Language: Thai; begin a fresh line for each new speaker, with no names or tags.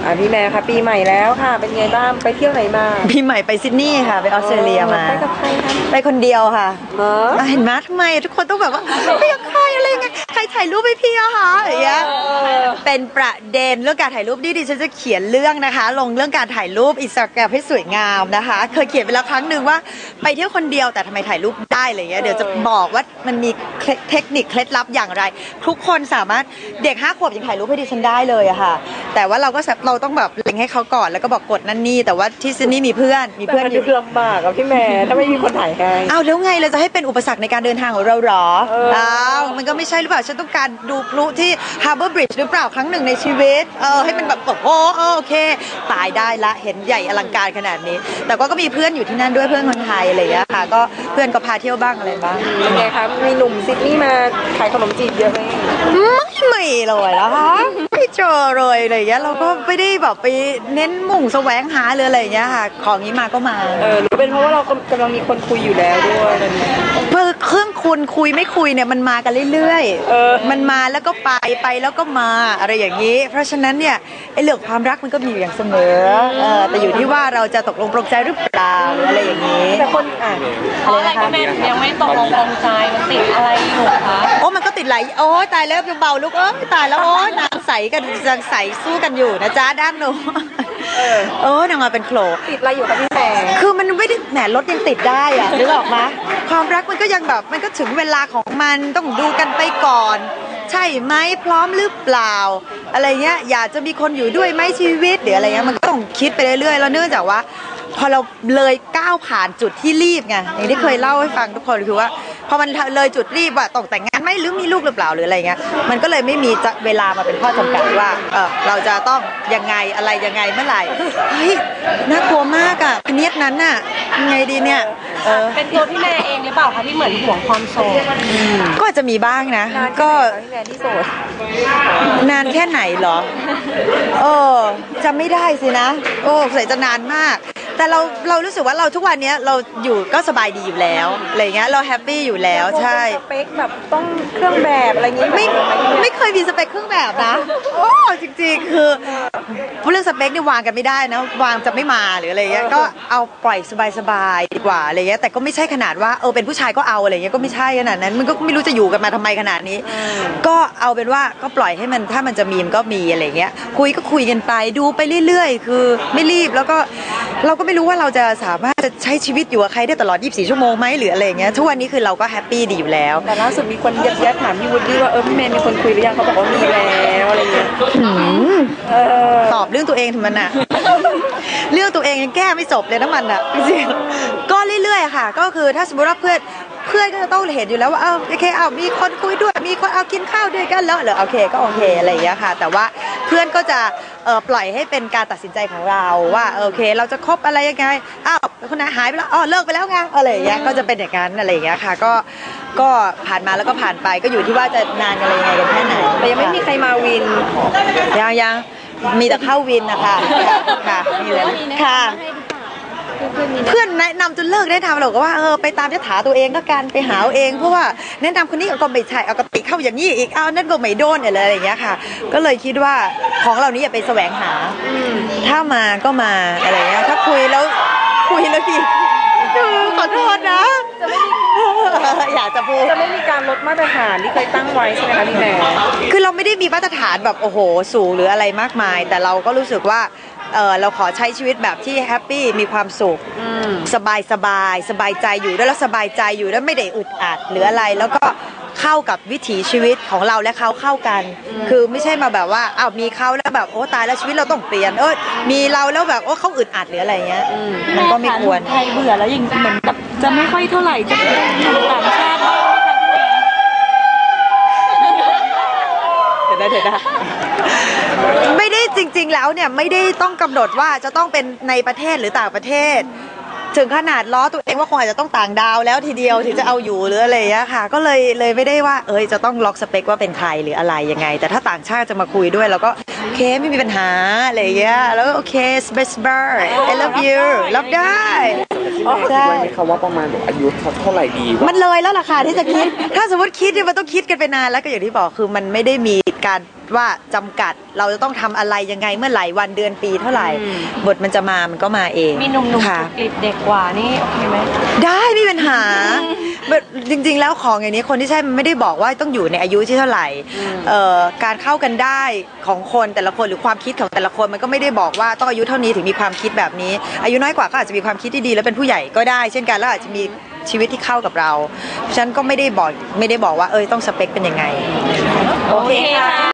พี่แม่ค่ะปีใหม่แล้วค่ะเป็นไงบ้างไปเที่ยวไหนมา
ปีใหม่ไปซิดนีย์ค่ะไปออสเตรเลียมา
ไปกับใครคะ
ไปคนเดียวค่ะเห็นไหมทำไมทุกคนต้องแบบว่าไปกับใครอะไรไงใครถ่ายรูปให้พี่อะคะอย่างเงี้ยเป็นประเด็นเรื่องการถ่ายรูปดิฉันจะเขียนเรื่องนะคะลงเรื่องการถ่ายรูปอินสตาแกรมให้สวยงามนะคะเคยเขียนไปแล้วครั้งหนึ่งว่าไปเที่ยวคนเดียวแต่ทำไมถ่ายรูปได้อะไรเงี้ยเดี๋ยวจะบอกว่ามันมีเทคนิคเคล็ดลับอย่างไรทุกคนสามารถเด็ก5 ขวบยังถ่ายรูปให้ดิฉันได้เลยอะค่ะแต่ว่าเราต้องแบบเล็งให้เขาก่อนแล้วก็บอกกดนั่นนี่แต่ว่าที่ซิดนีย์มีเพื่อน
อยู่ลำบากกับพี่แม่ถ้าไม่มีคนถ่ายให้
เอาแล้วไงเราจะให้เป็นอุปสรรคในการเดินทางของเราหรอมันก็ไม่ใช่หรือเปล่าฉันต้องการดูพลุที่ Harbour Bridge หรือเปล่าครั้งหนึ่งในชีวิตให้มันแบบโอเคตายได้ละเห็นใหญ่อลังการขนาดนี้แต่ก็มีเพื่อนอยู่ที่นั่นด้วยเพื่อนคนไทยอะไรอย่างเงี้ยค่ะก็เพื่อนก็พาเที่ยวบ้างอะไรบ้าง
เป็นไงคะมีหนุ่มซิดนีย์มาขายขนมจีบเยอะไหม
ไม่เลยนะคะไม่เจอเลยอะไรอย่างเงี้ยเราก็ไม่ได้แบบไปเน้นมุ่งแสวงหาเลยอะไรอย่างเงี้ยค่ะของนี้มาก็มา
หรือเป็นเพราะว่าเรากำลังมีคนคุยอยู่แล้วด้วย
เพื่อเครื่องคุณคุยไม่คุยเนี่ยมันมากันเรื่อยๆมันมาแล้วก็ไปแล้วก็มาอะไรอย่างนี้เพราะฉะนั้นเนี่ยไอ้เรื่องความรักมันก็มีอย่างเสมอแต่อยู่ที่ว่าเราจะตกลงปลงใจหรือเปล่าอะไรอย่างนี้
แต่คน
อะไรก็แม่ยังไม่ตกลงปลงใจมันติดอะไรอยู่คะ
มันก็ติดไหลตายแล้วเบาลูกตายแล้วนางใสกันยังใสสู้กันอยู่นะจ๊ะด้านโน้นางมาเป็นโขล
ติดอะไรอยู่คะพี่แม่
คือมันไม่ได้แหมรถยังติดได้อะนึกออกไหมความรักมันก็ยังแบบมันก็ถึงเวลาของมันต้องดูกันไปก่อนใช่ไหมพร้อมหรือเปล่าอะไรเงี้ยอยากจะมีคนอยู่ด้วยไหมชีวิตหรืออะไรเงี้ยมันก็ต้องคิดไปเรื่อยๆแล้วเนื่องจากว่าพอเราเลยก้าวผ่านจุดที่รีบไงอย่างที่เคยเล่าให้ฟังทุกคนคือว่าพอมันเลยจุดรีบว่าต้องแต่งงานไหมหรือมีลูกหรือเปล่าหรืออะไรเงี้ยมันก็เลยไม่มีเวลามาเป็นข้อจำกัดว่าเราจะต้องยังไงอะไรยังไงเมื่อไหร่เฮ้ยน่ากลัวมากอ่ะพเนียดนั้นน่ะยังไงดีเนี่ย
เป็นตัวพี่แม่เองหรือเปล่าคะที่เหมือนห่วงความโสด
ก็จะมีบ้างนะก็
พี่แม่ที่โสด
นานแค่ไหนเหรอจำไม่ได้สินะใส่จะนานมากแต่เรารู้สึกว่าเราทุกวันนี้เราอยู่ก็สบายดีอยู่แล้วอะไรเงี้ยเราแฮปปี้อยู่แล้วใช่
สเปคแบบต้องเครื่องแบบอะไรเงี้ย
ไม่เคยมีสเปคเครื่องแบบนะจริงๆคือเรื่องสเปคนี่วางกันไม่ได้นะวางจะไม่มาหรืออะไรเงี้ยก็เอาปล่อยสบายๆดีกว่าอะไรเงี้ยแต่ก็ไม่ใช่ขนาดว่าเป็นผู้ชายก็เอาอะไรเงี้ยก็ไม่ใช่ขนาดนั้นมันก็ไม่รู้จะอยู่กันมาทำไมขนาดนี้ก็เอาเป็นว่าก็ปล่อยให้มันถ้ามันจะมีมันก็มีอะไรเงี้ยคุยกันไปดูไปเรื่อยๆคือไม่รีบแล้วก็เราก็ไม่รู้ว่าเราจะสามารถจะใช้ชีวิตอยู่กับใครได้ตลอด24 ชั่วโมงไหมหรืออะไรอย่างเงี้ยทุกวันนี้คือเราก็แฮปปี้ดีอยู่แล้ว
แต่ล่าสุดมีคนยัดถามพี่วุฒิว่าพี่แมนมีคนคุยหรือยังเขาบอกว่ามีแล้วอะไรอย่างเงี้ย
ตอบเรื่องตัวเองถึงมันอะเรื่องตัวเองยังแก้ไม่จบเลยนะมันอะจริงก็เรื่อยๆค่ะก็คือถ้าสมมติว่าเพื่อนก็จะต้องเห็นอยู่แล้วว่าโอเคมีคนคุยด้วยมีคนกินข้าวด้วยกันแล้วเหรอโอเคก็โอเคอะไรอย่างเงี้ยค่ะแต่ว่าเพื่อนก็จะปล่อยให้เป็นการตัดสินใจของเราว่าโอเคเราจะคบอะไรยังไงคนนั้นหายไปแล้วเลิกไปแล้วไงอะไรอย่างเงี้ยก็จะเป็นอย่างนั้นอะไรอย่างเงี้ยค่ะก็ผ่านมาแล้วก็ผ่านไปก็อยู่ที่ว่าจะนานอะไรยังไงกันแค่ไหน
แต่ยังไม่มีใครมาวิน
ยังมีแต่เข้าวินนะคะค่ะนี่เลยค่ะเพื่อนแนะนำจนเลิกได้ทำเราก็ว่าไปตามยถาตัวเองก็การไปหาเองเพราะว่าแนะนำคนนี้ก็ไม่ใช่เอากติเข้าอย่างนี้อีกนั่นก็ไม่โดนอะไรอย่างเงี้ยค่ะก็เลยคิดว่าของเหล่านี้อย่าไปแสวงหาถ้ามาก็มาอะไรเงี้ยถ้าคุยแล้วผิดขอโทษนะอยากจะพูด
จะไม่มีการลดมาตรฐานที่เคยตั้งไว้ใช่ไหมคะพี่แม่
คือเราไม่ได้มีมาตรฐานแบบโอ้โหสูงหรืออะไรมากมายแต่เราก็รู้สึกว่าเราขอใช้ชีวิตแบบที่แฮปปี้มีความสุขสบายใจอยู่ด้วยแล้วสบายใจอยู่แล้วไม่ได้อึดอัดหรืออะไรแล้วก็เข้ากับวิถีชีวิตของเราและเขาเข้ากันคือไม่ใช่มาแบบว่ามีเขาแล้วแบบตายแล้วชีวิตเราต้องเปลี่ยนมีเราแล้วแบบเขาอึดอัดหรืออะไรเงี้ยมันก็ไม่ควร
ไทยเบื่อแล้วอย่างเหมือนแบบจะไม่ค่อยเท่าไหร่จะไปอยู่ต่างชาติ
เดี๋ยวไม่ได้จริงๆแล้วเนี่ยไม่ได้ต้องกำหนดว่าจะต้องเป็นในประเทศหรือต่างประเทศถึงขนาดล้อตัวเองว่าคงอาจจะต้องต่างดาวแล้วทีเดียวถึงจะเอาอยู่หรืออะไรอย่างเงี้ยค่ะก็เลยไม่ได้ว่าจะต้องล็อกสเปคว่าเป็นใครหรืออะไรยังไงแต่ถ้าต่างชาติจะมาคุยด้วยเราก็โอเคไม่มีปัญหาอะไรอย่างเงี้ยแล้วโอเค space bar I love you รับได้
คิดไว้ไหมคะว่าประมาณแบบอายุเท่าไหร่ดี
มันเลยแล้วล่ะค่ะที่จะคิด ถ้าสมมติคิดเนี่ยมันต้องคิดกันไปนานแล้วก็อย่างที่บอกคือมันไม่ได้มีการว่าจำกัดเราจะต้องทำอะไรยังไงเมื่อไหร่วันเดือนปีเท่าไหร่บทมันจะมามันก็มาเอง
มีหนุ่มๆ
ค่ะ
กลิบเด็กกว่านี่โอเคไหม
ได้ไม่มีปัญหาแบบจริงๆแล้วของอย่างนี้คนที่ใช่มันไม่ได้บอกว่าต้องอยู่ในอายุที่เท่าไหร่การเข้ากันได้ของคนแต่ละคนหรือความคิดของแต่ละคนมันก็ไม่ได้บอกว่าต้องอายุเท่านี้ถึงมีความคิดแบบนี้ อายุน้อยกว่าก็อาจจะมีความคิดที่ดีแล้วเป็นผู้ใหญ่ก็ได้ เช่นกันแล้วอาจจะมีชีวิตที่เข้ากับเราฉันก็ไม่ได้บอกว่าต้องสเปคเป็นยังไง
โอเคค่ะ